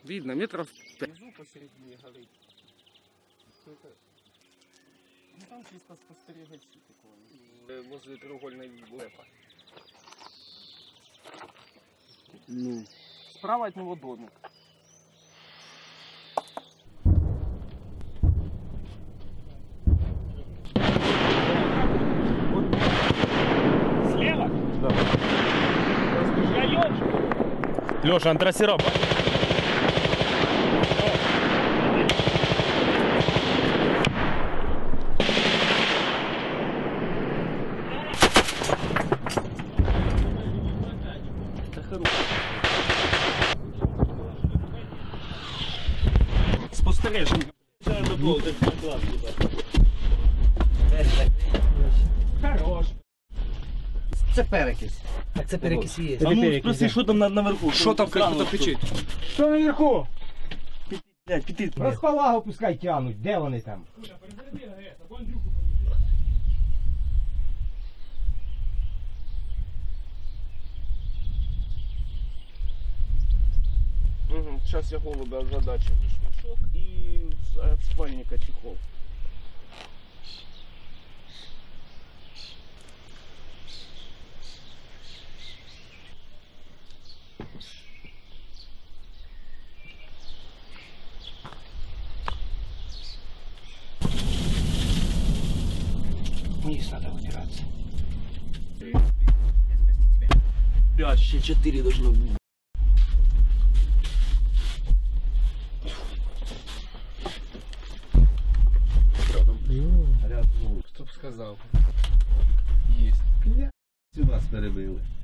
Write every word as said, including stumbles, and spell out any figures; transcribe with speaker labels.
Speaker 1: Видно, метров пять.
Speaker 2: Внизу посередине горить. Ну там чисто спостерігачі такого.
Speaker 1: Возле треугольной лепа.
Speaker 2: Ну. Справа от него домик.
Speaker 1: Слева?
Speaker 2: Да.
Speaker 1: Распределяешь?
Speaker 3: Леша, антрасироп.
Speaker 2: Спостереження. Хорош.
Speaker 4: Це перекись.
Speaker 5: Так це перекис є.
Speaker 2: А ну спроси, що там наверху?
Speaker 1: Что там, как кто-то кричит?
Speaker 4: Що наверху?
Speaker 2: Блядь, піти.
Speaker 4: Розпалагу пускай тянуть, де вони там?
Speaker 2: Угу. Сейчас я голубя озадачу. Мешок и от спальника чехол.
Speaker 4: Вниз надо вытираться.
Speaker 2: Пять, еще четыре должно быть.
Speaker 1: Кто бы сказал?
Speaker 2: Есть.
Speaker 4: Сюди перебили.